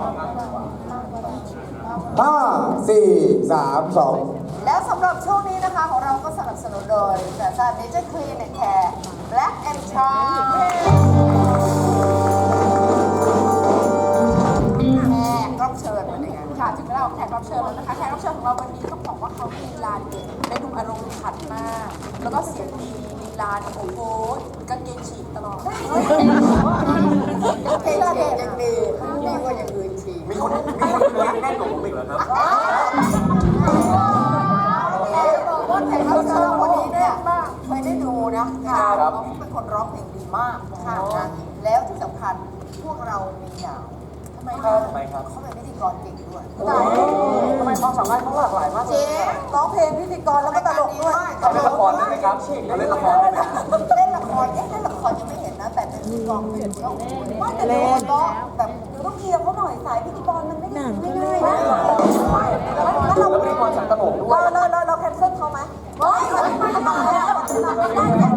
5 4 3 2 แล้วสำหรับช่วงนี้นะคะของเราก็สนับสนุนโดยสายสานเนเจอร์คลีนแอนด์แคร์ Black and Charm แขกรับเชิญวันนี้ค่ะถึงเราแขกรับเชิญแล้วนะคะแขกรับเชิญของเราวันนี้ต้องบอกว่าเขาลีลาเด็ดเป็นหนุ่มอารมณ์ขันมาก แล้วก็เสียงดีลีลาโอ้โหกางเกงฉีกตลอดกางเกงฉีกยังดีดีกว่าอย่างอื่นฉีกมีคนแน่นกว่าผมอีกเหรอครับบอกว่าแขกรับเชิญวันนี้เนี่ยเคยได้ดูนะเขาเป็นคนร้องเพลงดีมากค่ะแล้วที่สำคัญพวกเรามีอย่างทำไมเขาเป็นพิธีกรเก่งด้วยทำไมความสามารถเขาหลากหลายมากเจ๊ร้องเพลงพิธีกรแล้วก็ตลกด้วยเขาเล่นละครได้ไหมครับเขาเล่นละครได้ไหมเล่นละครเล่นละครยังไม่เห็นนะแต่เป็นพิธีกรเห็นเขาไม่แต่เล่นก็แบบต้องเคลียร์เขาหน่อยสายพิธีกรมันไม่ได้ง่ายนะแล้วเราแล้วพิธีกรฉันตลกด้วยเราแคนเซิลเขาไหมไม่ได้